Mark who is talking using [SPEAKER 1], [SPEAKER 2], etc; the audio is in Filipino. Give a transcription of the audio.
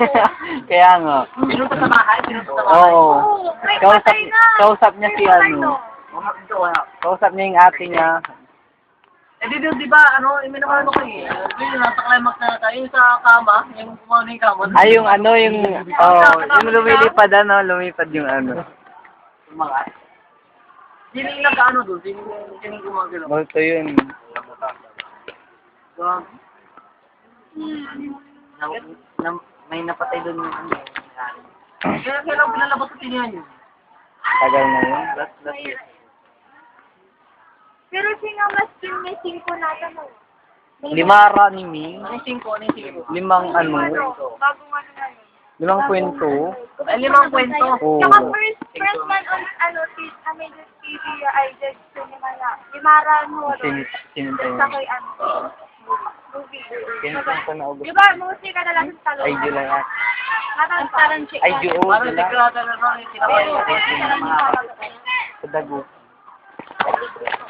[SPEAKER 1] Kaya nga.
[SPEAKER 2] Pinunta sa bahay? Pinunta sa bahay?
[SPEAKER 1] Oo. Kausap niya si ano. Kausap niya yung ate niya.
[SPEAKER 2] Eh di ba, may naman kayo eh. Nasa climax na tayo. Yung sa kama, yung kumano yung kama.
[SPEAKER 1] Ay, yung ano, yung lumilipad lumipad yung ano.
[SPEAKER 2] Mga. Sino yung nag-ano doon? Sino yung gumagalaw?
[SPEAKER 1] Multo yun.
[SPEAKER 2] May napatay doon yung ano. Kaya kailang pinalabas sa tinihan yun.
[SPEAKER 1] Tagal na yun. Last year.
[SPEAKER 3] Pero sino mas missing ko natin mo?
[SPEAKER 1] 5 ra ni Ming.
[SPEAKER 2] Ano yung 5? Ano yung 5?
[SPEAKER 1] 5 ano.
[SPEAKER 3] Bagong ano na yun.
[SPEAKER 1] 5 kwento.
[SPEAKER 2] Ay, 5 kwento.
[SPEAKER 1] Oo.
[SPEAKER 3] Saka first man on Amazing TV, I did cinema na. Limaran mo.
[SPEAKER 1] Sinintay
[SPEAKER 3] Sa
[SPEAKER 1] mo.
[SPEAKER 3] ko'y movie.
[SPEAKER 1] Sinintay ko na ugot.
[SPEAKER 3] Di ba, mostly ka na lang sa talo.
[SPEAKER 1] Ay, di lang at.
[SPEAKER 3] Parang chick.
[SPEAKER 1] Ay, di oo.
[SPEAKER 2] Parang sikrata na rin.
[SPEAKER 1] Sa dago.